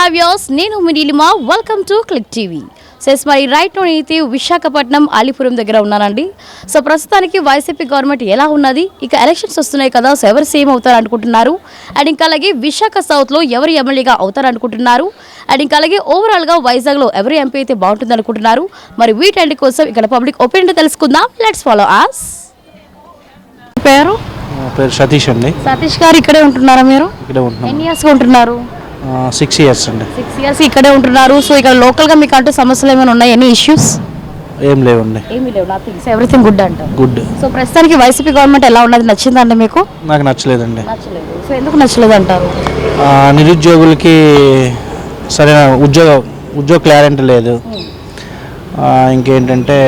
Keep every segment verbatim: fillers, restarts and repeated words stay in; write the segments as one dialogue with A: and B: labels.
A: Hi viewers, నేను మీ Neelima. Welcome to Click TV. సెస్ మరి రైట్ అయితే విశాఖపట్నం అలీపురం దగ్గర ఉన్నానండి. సో ప్రస్తుతానికి వైసీపీ గవర్నమెంట్ ఎలా ఉన్నది, ఇక ఎలక్షన్స్ వస్తున్నాయి కదా, సో ఎవరు సీఎం అవుతారు అనుకుంటున్నారు, అండ్ ఇంకా అలాగే విశాఖ సౌత్లో ఎవరు ఎమ్మెల్యేగా అవుతారు అనుకుంటున్నారు, అండ్ ఇంకా అలాగే ఓవరాల్గా వైజాగ్లో ఎవరు ఎంపీ అయితే బాగుంటుంది అనుకుంటున్నారు. మరి వీటన్నిటి కోసం ఇక్కడ పబ్లిక్ ఒపీనియన్ తెలుసుకుందాం. Let's follow us. పేరు
B: పేరు సతీష్ అండి.
A: సతీష్ గారు ఇక్కడే ఉంటున్నారా మీరు?
B: ఇక్కడే ఉంటున్నాం.
A: ఎన్ని ఇయర్స్గా ఉంటున్నారు?
B: సిక్స్ ఇయర్స్ అండి.
A: సిక్స్ ఇయర్స్ ఇక్కడే ఉంటున్నారు. సో ఇక్కడ లోకల్గా మీకు అంటూ సమస్యలు ఏమైనా ఉన్నాయి? Any issues?
B: ఏం లేవండి.
A: ఏమీ లేవు, నథింగ్. సో ఎవ్రీథింగ్ గుడ్ అంటారు.
B: గుడ్.
A: సో ప్రస్తుతానికి వైసీపీ గవర్నమెంట్ ఎలా ఉన్నది, నచ్చిందండి మీకు?
B: నాకు నచ్చలేదండి.
A: నచ్చలేదు. సో ఎందుకు నచ్చలేదు అంటారు?
B: నిరుద్యోగులకి సరైన ఉద్యోగ ఉద్యోగ క్లారిటీ లేదు. ఇంకేంటంటే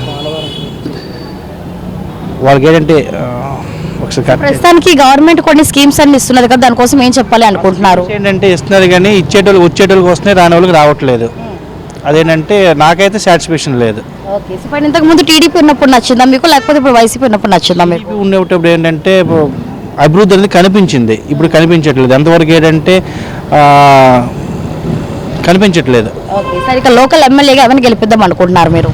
B: వాళ్ళకి ఏంటంటే
A: ప్రస్తుతానికి గవర్నమెంట్ కొన్ని స్కీమ్స్ అన్ని ఇస్తున్నది కదా, దానికోసం ఏం చెప్పాలి అనుకుంటున్నారు?
B: ఏంటంటే ఇస్తున్నారు కానీ ఇచ్చేటోళ్ళు వచ్చేటోళ్ళకి వస్తున్నాయి, రాని వాళ్ళకి రావట్లేదు. అదేంటంటే నాకైతే సాటిస్ఫాక్షన్ లేదు.
A: ఓకే. సో పైన ఇంతకు ముందు టీడీపీ ఉన్నప్పుడు నచ్చిందా మీకు, లేకపోతే ఇప్పుడు వైసీపీ ఉన్నప్పుడు నచ్చిందా మీకు?
B: ఉండేటప్పుడు ఏంటంటే అభివృద్ధి అనేది కనిపించింది, ఇప్పుడు కనిపించట్లేదు. ఎంతవరకు ఏంటంటే కనిపించట్లేదు.
A: ఓకే. సరే, ఇక లోకల్ ఎమ్మెల్యేగా ఎవరిని గెలిపిద్దాం అనుకుంటున్నారు మీరు?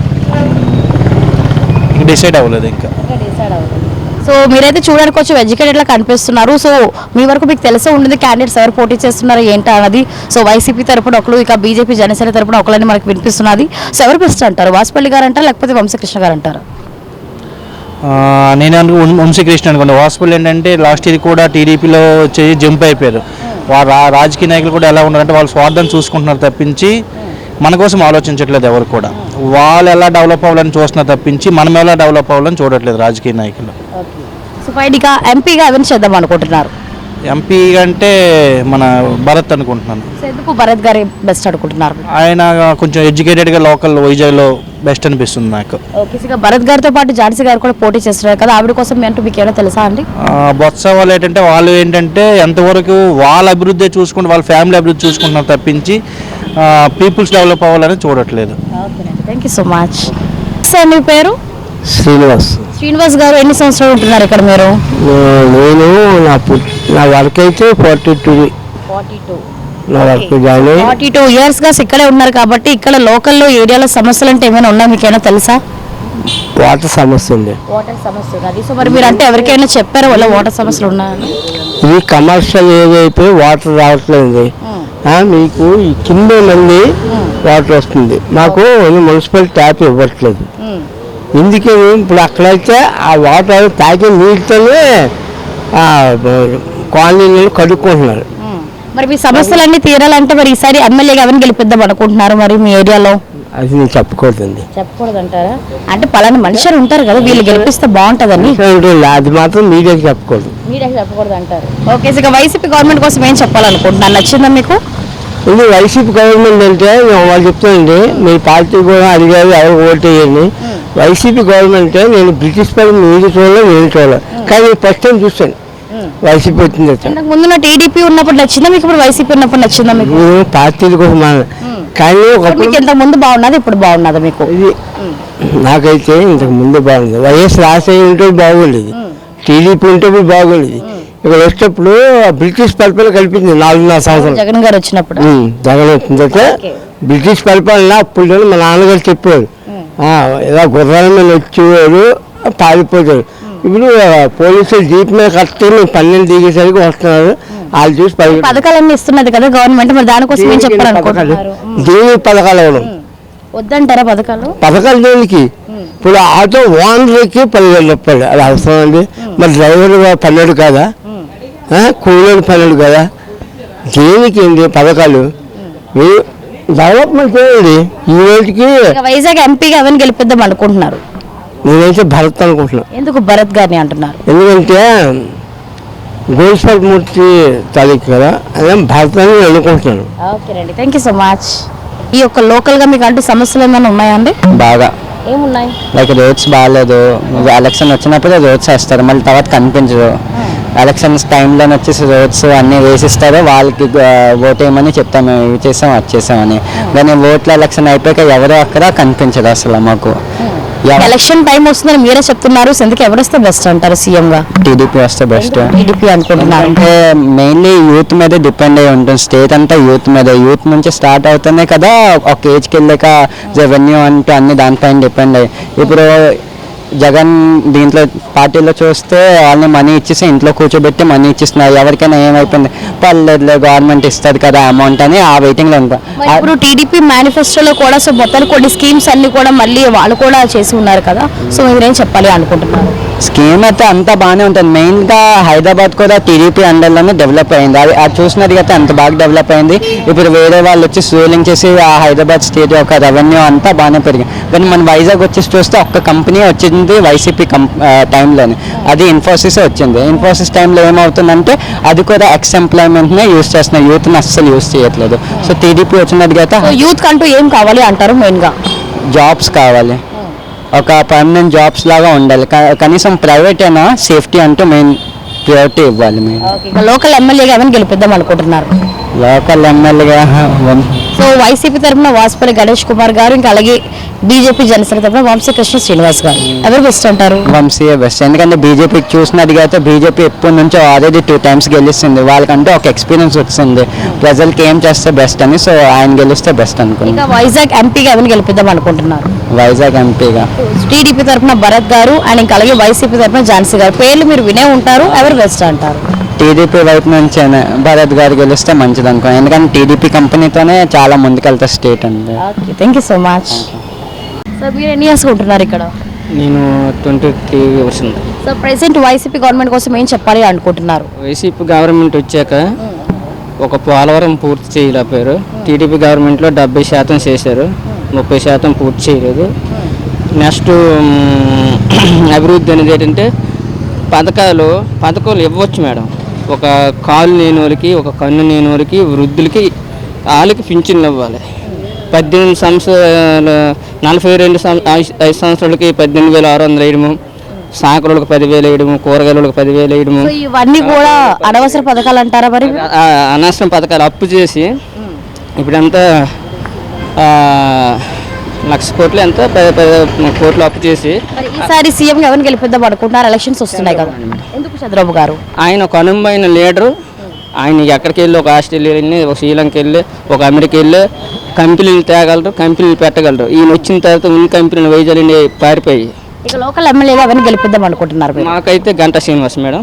B: డిసైడ్ అవ్వలేదు ఇంకా.
A: సో మీరైతే చూడడానికి కొంచెం ఎడ్యుకేటెడ్లా కనిపిస్తున్నారు. సో మీ వరకు మీకు తెలిసే ఉంటుంది క్యాండిడేట్స్ ఎవరు పోటీ చేస్తున్నారు ఏంటి అన్నది. సో వైసీపీ తరపున ఒకరు, ఇక బీజేపీ జనసేన తరపున ఒకరిని మనకు వినిపిస్తున్నది. సో ఎవరు బెస్ట్ అంటారు? వాసుపల్లి గారు అంటారా, లేకపోతే వంశకృష్ణ గారు అంటారా?
B: నేను అనుకు వంశకృష్ణ అనుకోండి. వాసుపల్లి ఏంటంటే లాస్ట్ ఇయర్ కూడా టీడీపీలో వచ్చి జంప్ అయిపోయారు. వారు రాజకీయ నాయకులు కూడా ఎలా ఉన్నారంటే వాళ్ళు స్వార్థాన్ని చూసుకుంటున్నారు తప్పించి మన కోసం ఆలోచించట్లేదు ఎవరు కూడా. వాళ్ళు ఎలా డెవలప్ అవ్వాలని చూస్తున్నారు తప్పించి మనం ఎలా డెవలప్ అవ్వాలని చూడట్లేదు రాజకీయ నాయకులు.
A: సో పైగా ఎంపీగా ఎవరిని చేద్దాం అనుకుంటున్నారు?
B: ఎంపీ అంటే మన భరత్ అనుకుంటున్నాను.
A: ఎందుకు భరత్ గారి బెస్ట్ అనుకుంటున్నారు?
B: ఆయన కొంచెం ఎడ్యుకేటెడ్గా లోకల్ వైజాగ్లో బెస్ట్ అనిపిస్తుంది నాకు.
A: ఓకే. ఇక భరత్ గారితో పాటు ఝాన్సీ గారు కూడా పోటీ చేస్తున్నారు కదా, ఆవిడ కోసం అంటూ మీకు ఏమైనా తెలుసా అండి?
B: బొత్స వాళ్ళు ఏంటంటే వాళ్ళు ఏంటంటే ఎంతవరకు వాళ్ళ అభివృద్ధి చూసుకుంటే వాళ్ళ ఫ్యామిలీ అభివృద్ధి చూసుకుంటున్నారు తప్పించి పీపుల్స్ డెవలప్ అవ్వాలని చూడట్లేదు.
A: Thank you so much. Sir మీ పేరు?
C: శ్రీనివాస్.
A: శ్రీనివాస్ గారు ఎన్ని సంవత్సరాలు ఉంటున్నారు ఇక్కడ మీరు?
C: నేను నా నా వర్క్ అయితే ఫార్టీ టూ
A: ఫార్టీ టూ
C: నా వర్క్ జాయిన్ అయ్యి
A: ఫార్టీ టూ ఇయర్స్ గా ఇక్కడే ఉన్నారు కాబట్టి ఇక్కడ లోకల్లో ఏరియాలో సమస్యలు అంటే ఏమైనా ఉన్నాయి మీకైనా తెలుసా?
C: వాటర్ సమస్య ఉంది.
A: వాటర్ సమస్య అది. సో మరి మీరు అంటే ఎవరికైనా చెప్పారా వాళ్ళ వాటర్ సమస్యలు ఉన్నాయని?
C: ఇది కమర్షియల్ ఏరియా అయిపోయి వాటర్ రావట్లేదు. మీకు ఈ కింద మంది వాటర్ వస్తుంది, మాకు మున్సిపల్ ట్యాప్ ఇవ్వట్లేదు. ఎందుకని ఇప్పుడు అక్కడైతే ఆ వాటర్ తాగే నీటితోనే కాలనీలు కడుక్కుంటున్నారు.
A: మరి మీ సమస్యలన్నీ తీరాలంటే మరి ఈసారి ఎమ్మెల్యేగా ఎవరిని గెలిపిద్దాం అనుకుంటున్నారు మరి మీ ఏరియాలో?
C: అది నేను చెప్పకూడదండి.
A: చెప్పకూడదు అంటారా? అంటే పలానా మనుషులు ఉంటారు కదా, వీళ్ళు గెలిపిస్తే బాగుంటుందని.
C: అది మాత్రం మీడియాకి చెప్పకూడదు.
A: మీడియాకి చెప్పకూడదు అంటారు. ఓకే. ఇక వైసీపీ గవర్నమెంట్ కోసం ఏం చెప్పాలనుకుంటున్నారు? నచ్చిందా మీకు?
C: ఇది వైసీపీ గవర్నమెంట్ అంటే వాళ్ళు చెప్తానండి, మీ పార్టీ కూడా అడిగారు ఎవరు ఓటు వేయండి. వైసీపీ గవర్నమెంట్ నేను బ్రిటిష్ పై మీరు చూడలే నేను చూడలే, కానీ ఫస్ట్ టైం చూస్తాను వైసీపీ వచ్చింది.
A: ముందు టీడీపీ ఉన్నప్పుడు నచ్చిందా మీకు, ఇప్పుడు వైసీపీ ఉన్నప్పుడు నచ్చిందా మీకు?
C: పార్టీల కోసం కానీ
A: ఇంతకు ముందు బాగున్నది, ఇప్పుడు బాగున్నదా మీకు? ఇది
C: నాకైతే ఇంతకు ముందు బాగుంది. వైఎస్ రాజశేఖర్ ఉంటే బాగుండేది, టీడీపీ ఉంటే బాగుండేది. ఇక్కడ వచ్చేటప్పుడు బ్రిటిష్ పరిపాలన కల్పించింది నాలుగున్నర సంవత్సరాలు.
A: జగన్ గారు వచ్చినప్పుడు
C: జగన్ వచ్చిందంటే బ్రిటిష్ పరిపాలన అప్పుడు మా నాన్నగారు చెప్పారు, ఇలా గుర్రాల మీద వచ్చేవారు పారిపోతారు. ఇప్పుడు పోలీసులు జీప్ మీద కట్టి పన్నెండు దిగేసరికి వస్తున్నారు, వాళ్ళు చూసి
A: పథకాలన్నీ ఇస్తున్నది కదా గవర్నమెంట్, మరి దానికోసం ఏం చెప్పాలనుకుంటున్నారు?
C: దేని పథకాలు ఇవ్వడం
A: వద్దంటారా? పథకాలు
C: పథకాలు దేనికి? ఇప్పుడు ఆటో ఓనర్కి పదివేలు రూపాయలు అది అవసరం అండి. మరి డ్రైవర్ పన్నెండు కదా, కూలీలు పన్నెండు కదా, దేనికి ఏంటి పథకాలు? డెవలప్మెంట్ చేయండి. ఈ రోజుకి
A: వైజాగ్ ఎంపీగా ఎవరిని గెలిపిద్దాం అనుకుంటున్నారు?
C: నేనైతే భరత్ అనుకుంటున్నాను.
A: ఎందుకు భరత్ గారిని అంటున్నారు?
C: ఎందుకంటే గోల్స్పల్మూర్తి తాలూకు కదా, అదే భరత్ అని అనుకుంటున్నాను.
A: ఓకేనండి, థ్యాంక్ యూ సో మచ్. ఈ యొక్క లోకల్గా మీకు అంటే సమస్యలు ఏమైనా ఉన్నాయండి?
D: బాగా
A: ఏమున్నాయి?
D: లైక్ రోడ్స్ బాగాలేదు, ఎలక్షన్ వచ్చినప్పుడు రోడ్స్ వేస్తారు, మళ్ళీ తర్వాత కనిపించదు. ఎలక్షన్స్ టైంలో వచ్చేసి రోడ్స్ అన్నీ వేసిస్తారో వాళ్ళకి ఓట్ వేయమని చెప్తాము, మేము ఇవి చేసాం అది చేసామని. కానీ ఓట్ల ఎలక్షన్ అయిపోయాక ఎవరో అక్కడ కనిపించదు అసలు మాకు.
A: ఎలక్షన్ టైం వస్తుందని మీరే చెప్తున్నారు, సో ఎందుకు ఎవరు వస్తే బెస్ట్ అంటారు సీఎం గా?
D: టీడీపీ వస్తే బెస్ట్.
A: టీడీపీ అనుకుంటున్నారు
D: అంటే మెయిన్లీ యూత్ మీద డిపెండ్ అయి ఉంటుంది, స్టేట్ అంతా యూత్ మీద. యూత్ నుంచి స్టార్ట్ అవుతూనే కదా ఒక ఏజ్కి వెళ్ళాక రెవెన్యూ అంటూ అన్ని దానిపైన డిపెండ్ అయ్యి. ఇప్పుడు జగన్ దీంట్లో పార్టీలో చూస్తే వాళ్ళని మనీ ఇచ్చేసి ఇంట్లో కూర్చోబెట్టి మనీ ఇచ్చిస్తున్నారు. ఎవరికైనా ఏమైపోయింది, పర్లేదులే గవర్నమెంట్ ఇస్తుంది కదా అమౌంట్ అని ఆ వెయిటింగ్లో ఉంటాం.
A: ఇప్పుడు టీడీపీ మేనిఫెస్టోలో కూడా సో మొత్తానికి కొన్ని స్కీమ్స్ అన్ని కూడా మళ్ళీ వాళ్ళు కూడా చేసి ఉన్నారు కదా, సో మీరేం చెప్పాలి అనుకుంటున్నారు?
D: స్కీమ్ అయితే అంతా బాగానే ఉంటుంది. మెయిన్గా హైదరాబాద్ కూడా టీడీపీ అండర్లోనే డెవలప్ అయింది. అది అది చూసినది అయితే అంత బాగా డెవలప్ అయింది. ఇప్పుడు వేరే వాళ్ళు వచ్చి రూలింగ్ చేసి ఆ హైదరాబాద్ స్టేట్ యొక్క రెవెన్యూ అంతా బాగానే పెరిగింది. కానీ మన వైజాగ్ వచ్చేసి చూస్తే ఒక్క కంపెనీ వచ్చింది వైసీపీ కం టైంలోనే, అది ఇన్ఫోసిస్ వచ్చింది. ఇన్ఫోసిస్ టైంలో ఏమవుతుందంటే అది కూడా ఎక్స్ ఎంప్లాయ్మెంట్నే యూస్ చేస్తున్నారు, యూత్ని అస్సలు యూస్ చేయట్లేదు. సో టీడీపీ వచ్చినట్టుగా అయితే
A: యూత్ కంటూ ఏం కావాలి అంటారు? మెయిన్గా
D: జాబ్స్ కావాలి, ఒక పర్మనెంట్ జాబ్స్ లాగా ఉండాలి. క- కనీసం ప్రైవేట్ అయినా సేఫ్టీ అంటూ మెయిన్ ప్రియారిటీ ఇవ్వాలి. మేము
A: లోకల్ ఎమ్మెల్యేగా ఎవరిని గెలిపిద్దాం అనుకుంటున్నారు?
D: లోకల్ ఎమ్మెల్యేగా
A: సో వైసీపీ తరఫున వాసుపల్లి గణేష్ కుమార్ గారు, ఇంకా అలాగే బీజేపీ జనసేన తరఫున వంశీకృష్ణ శ్రీనివాస్ గారు, ఎవరు బెస్ట్ అంటారు?
D: వంశీయే బెస్ట్. ఎందుకంటే బీజేపీకి చూసినట్టుగా అయితే బీజేపీ ఎప్పటి నుంచో ఆల్రెడీ టూ టైమ్స్ గెలుస్తుంది. వాళ్ళకంటే ఒక ఎక్స్పీరియన్స్ వచ్చింది, ప్రజలకి ఏం చేస్తే బెస్ట్ అని. సో ఆయన గెలిస్తే బెస్ట్ అనుకున్నాను.
A: ఇంకా వైజాగ్ ఎంపీగా ఎవరిని గెలిపిద్దాం అనుకుంటున్నారు?
D: వైజాగ్ ఎంపీగా
A: టీడీపీ తరఫున భరత్ గారు అండ్ ఇంకా అలాగే వైసీపీ తరఫున ఝాన్సీ గారు, పేర్లు మీరు వినే ఉంటారు, ఎవరు బెస్ట్ అంటారు?
D: టీడీపీ వైపు నుంచి భరత్ గారు గెలిస్తే మంచిది అనుకున్నాను. ఎందుకంటే టీడీపీ కంపెనీతోనే చాలా ముందుకెళ్తా స్టేట్ అండి.
A: Okay, thank you so much. Sir మీరు ఎన్ని ఇయర్స్ ఉంటున్నారు ఇక్కడ?
E: నేను ట్వంటీ త్రీ ఇయర్స్ ఉంది.
A: సో ప్రెసెంట్ వైసీపీ గవర్నమెంట్ కోసం ఏం చెప్పాలి అనుకుంటున్నారు?
E: వైసీపీ గవర్నమెంట్ వచ్చాక ఒక పోలవరం పూర్తి చేయలేకపోయారు. టీడీపీ గవర్నమెంట్లో డెబ్బై శాతం చేశారు, ముప్పై శాతం పూర్తి చేయలేదు. నెక్స్ట్ అభివృద్ధి అనేది ఏంటంటే పథకాలు పథకాలు ఇవ్వచ్చు మేడం. ఒక కాలు లేని వాళ్ళకి, ఒక కన్ను లేని వాళ్ళకి, వృద్ధులకి వాళ్ళకి పింఛన్లు ఇవ్వాలి. పద్దెనిమిది సంవత్సరాలు నలభై రెండు ఐదు సంవత్సరాలకి పద్దెనిమిది వేల ఆరు వందలు వేయడము, సాకరులకు పదివేలు వేయడము, కూరగాయలకు పదివేలు వేయడము,
A: సో ఇవన్నీ కూడా అనవసర పథకాలు అంటారా మరి?
E: అనవసరం పథకాలు అప్పు చేసి ఇప్పుడంతా లక్ష కోట్లు ఎంత పది పది కోట్లు అప్పు చేసి
A: మరి ఈసారి సీఎం ఎవరిని గెలిపిద్దాం అనుకుంటున్నారు? ఎలక్షన్స్ వస్తున్నాయి కదా, ఎందుకు చంద్రబాబు గారు?
E: ఆయన ఒక అనుమైన లీడరు. ఆయన ఎక్కడికి వెళ్ళి ఒక ఆస్ట్రేలియా వెళ్ళి, ఒక శ్రీలంక వెళ్ళి, ఒక అమెరికా వెళ్ళి కంపెనీలు తేగలరు, కంపెనీలు పెట్టగలరు. ఈయన వచ్చిన తర్వాత ఉన్న కంపెనీలు వైజాగ్ని పారిపోయి.
A: ఇక లోకల్ ఎమ్మెల్యేగా ఎవరిని గెలిపిద్దాం అనుకుంటున్నారు మీరు?
E: మాకైతే గంటా శ్రీనివాస్ మేడం.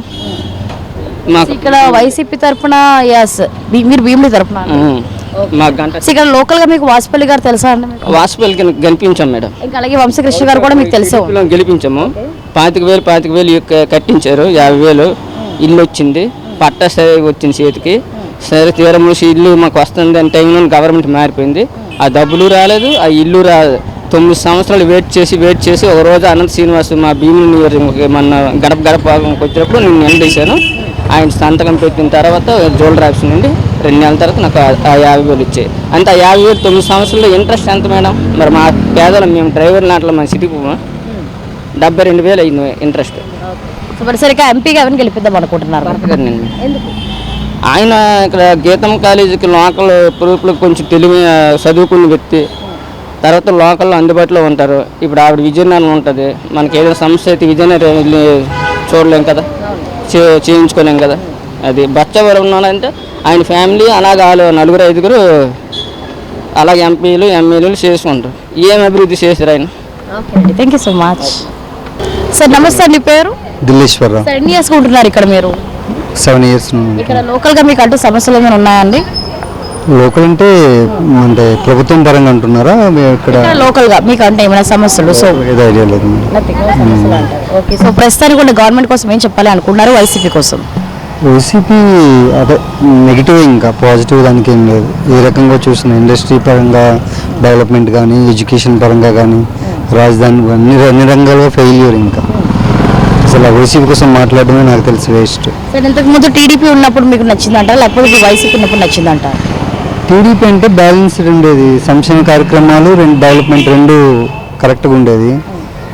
E: మాకు
A: ఇక్కడ వైసీపీ తరఫున ఎస్, మీరు భీమిలి తరఫున.
E: మాకు గంట
A: ఇక్కడ లోకల్ గా మీకు వాసుపల్లి గారు తెలుసా అండి?
E: వాసుపల్లికి గెలిపించాం మేడం.
A: ఇంకా అలాగే వంశకృష్ణ గారు కూడా మీకు తెలుసు.
E: టీడీపీలో గెలిపించాము. పాతిక వేలు పాతిక వేలు క- కట్టించారు, యాభై వేలు ఇల్లు వచ్చింది, పట్టా సరే వచ్చింది చేతికి. సరే తీరం మూసి ఇల్లు మాకు వస్తుంది అని టైంలో గవర్నమెంట్ మారిపోయింది. ఆ డబ్బులు రాలేదు, ఆ ఇల్లు రాలేదు. తొమ్మిది సంవత్సరాలు వెయిట్ చేసి వెయిట్ చేసి ఒక రోజు అనంత శ్రీనివాస్ మా భీముని మన గడప గడప వచ్చినప్పుడు నేను నిలదీశాను. ఆయన సంతకం పెట్టిన తర్వాత జోల్డర్ ఆఫీస్ నుండి రెండు నెలల తర్వాత నాకు ఆ- ఆ యాభై వేలు ఇచ్చాయి. అంటే ఆ యాభై వేలు తొమ్మిది సంవత్సరాల్లో ఇంట్రెస్ట్ ఎంత మేడం? మరి మా పేదలు మేము డ్రైవర్ నాట్లో మన సిటీకి డెబ్బై రెండు వేలు అయింది ఇంట్రెస్ట్.
A: సో మరి సరిగ్గా ఎంపీగా ఎవరిని గెలిపిద్దాం అనుకుంటున్నారు?
E: భరత్ గారు నేను
A: ఎందుకు?
E: ఆయన ఇక్కడ గీతం కాలేజీకి లోకల్ ప్రూఫ్లకు కొంచెం తెలివి చదువుకున్న వ్యక్తి. తర్వాత లోకల్లో అందుబాటులో ఉంటారు. ఇప్పుడు ఆవిడ విజయనగరం ఉంటుంది, మనకి ఏదైనా సమస్య అయితే విజయనగరం వెళ్ళి చూడలేం కదా, చే చేయించుకోలేం కదా. అది బచ్చవరం ఉన్నానంటే ఆయన ఫ్యామిలీ అలాగే వాళ్ళు నలుగురు ఐదుగురు అలాగే ఎంపీలు ఎమ్మెల్యేలు చేసుకుంటారు. ఏం అభివృద్ధి చేశారు ఆయన?
A: ఓకే అండి, thank you so much. Sir నమస్తే అండి, పేరు?
F: దిల్లీశ్వరరావు.
A: సార్ ఎన్ని ఇయర్స్ ఉంటున్నారు ఇక్కడ మీరు?
F: సెవెన్ ఇయర్స్
A: ఇక్కడ లోకల్ గా మీకు అంటూ సమస్యలు ఏమైనా ఉన్నాయండి?
F: లోకల్ అంటే అంటే ప్రభుత్వం పరంగా అంటున్నారా మీ ఇక్కడ
A: ఇక్కడ లోకల్ గా మీకు అంటే ఏమైనా సమస్యలు? సో
F: ఏదో ఐడియా లేదు మేడం.
A: nothing, no సమస్యలు అంటారు. ఓకే, సో ప్రస్తుతానికి కూడా గవర్నమెంట్ కోసం ఏం చెప్పాలి అనుకుంటున్నారు వైసీపీ కోసం?
F: వైసీపీ అదే నెగిటివ్, ఇంకా పాజిటివ్ దానికి ఏం లేదు. ఏ రకంగా చూసిన ఇండస్ట్రీ పరంగా డెవలప్మెంట్ కానీ, ఎడ్యుకేషన్ పరంగా కానీ, రాజధాని అన్ని అన్ని రంగాల్లో ఫెయిల్యూర్. ఇంకా అసలు వైసీపీ కోసం మాట్లాడడమే నాకు తెలిసి వేస్ట్.
A: సార్ ఇంతకు ముందు టీడీపీ ఉన్నప్పుడు మీకు నచ్చిందంటారా, లేకపోతే ఇప్పుడు వైసీపీ ఉన్నప్పుడు నచ్చిందంటారా?
F: టీడీపీ అంటే బ్యాలెన్స్డ్ ఉండేది, సంక్షేమ కార్యక్రమాలు రెండు డెవలప్మెంట్ రెండు కరెక్ట్గా ఉండేది.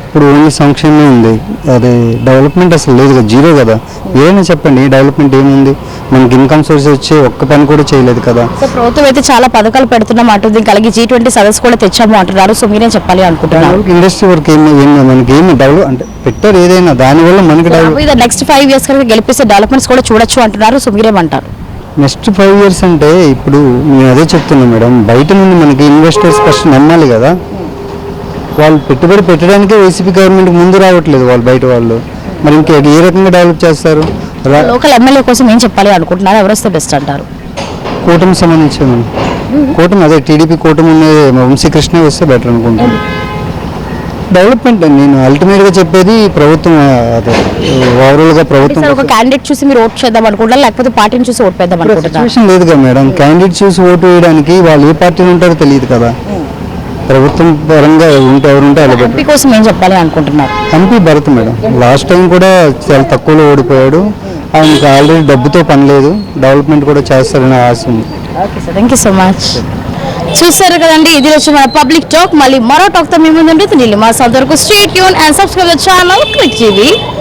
F: ఇప్పుడు ఓన్లీ సంక్షేమమే ఉంది, అదే డెవలప్మెంట్ అసలు లేదు కదా, జీరో కదా. ఏమైనా చెప్పండి డెవలప్మెంట్ ఏముంది, మనకి ఇన్కమ్ సోర్స్ వచ్చే ఒక్క పని కూడా చేయలేదు కదా.
A: సో ప్రభుత్వం అయితే చాలా పథకాలు పెడుతున్నాం అంటుంది, కలిగి జీ ట్వంటీ సదస్సు కూడా తెచ్చాము అంటున్నారు. సో మీరేం చెప్పాలి అనుకుంటున్నారు?
F: ఇండస్ట్రీ వర్క్ ఏమి ఏమి మనకి ఏమి డెవలప్ అంటే పెట్టారు ఏదైనా, దానివల్ల మనకి డెవలప్
A: నెక్స్ట్ ఫైవ్ ఇయర్స్ కనుక గెలిపిస్తే డెవలప్మెంట్స్ కూడా చూడొచ్చు అంటున్నారు. సో మీరేమంటారు?
F: నెక్స్ట్ ఫైవ్ ఇయర్స్ అంటే ఇప్పుడు నేను అదే చెప్తున్నాను మేడం, బయట నుండి మనకి ఇన్వెస్టర్స్ ఫస్ట్ నమ్మాలి కదా. వాళ్ళు పెట్టుబడి పెట్టడానికే వైసీపీ గవర్నమెంట్ ముందు రావట్లేదు వాళ్ళు, బయట వాళ్ళు. మరి ఇంకా ఏ రకంగా డెవలప్ చేస్తారు? రా-
A: లోకల్ ఎమ్మెల్యే కోసం ఏం చెప్పాలి అనుకుంటున్నారు? ఎవరు వస్తే బెస్ట్ అంటారు?
F: కూటమి సంబంధించి మనం కూటమి అదే టీడీపీ కూటమి ఉన్నది వంశీకృష్ణ వస్తే బెటర్ అనుకుంటాను. డెవలప్మెంట్ నేను అల్టిమేట్గా చెప్పేది ప్రభుత్వం, అదే ఓవరాల్గా ప్రభుత్వం
A: సార్, ఒక క్యాండిడేట్ చూసి మీరు ఓట్ చేద్దాం అనుకుంటారు, లేకపోతే పార్టీని చూసి ఓట్ వేద్దాం అనుకుంటున్నారు?
F: సిచ్యువేషన్ లేదు కదా మేడం, క్యాండిడేట్ చూసి ఓటు వేయడానికి వాళ్ళు ఏ పార్టీలో ఉంటారో తెలియదు కదా. ప్రభుత్వం పరంగా ఉంటే ఎవరుంటే అలా
A: ఎంపీ కోసం ఏం చెప్పాలి అనుకుంటున్నారు?
F: MP Bharat madam last time కూడా చాలా తక్కువలో ఓడిపోయాడు. ఆయనకి ఆల్రెడీ డబ్బుతో పని లేదు, డెవలప్మెంట్ కూడా చేస్తారని ఆశ ఉంది.
A: Okay sir, thank you so much. చూస్తారు కదండి, ఇది వచ్చి మన పబ్లిక్ టాక్. మళ్ళీ మరో టాక్ తో మీ ముందు ఉంటుంది. మా సొంత వరకు stay tune and subscribe channel Click TV.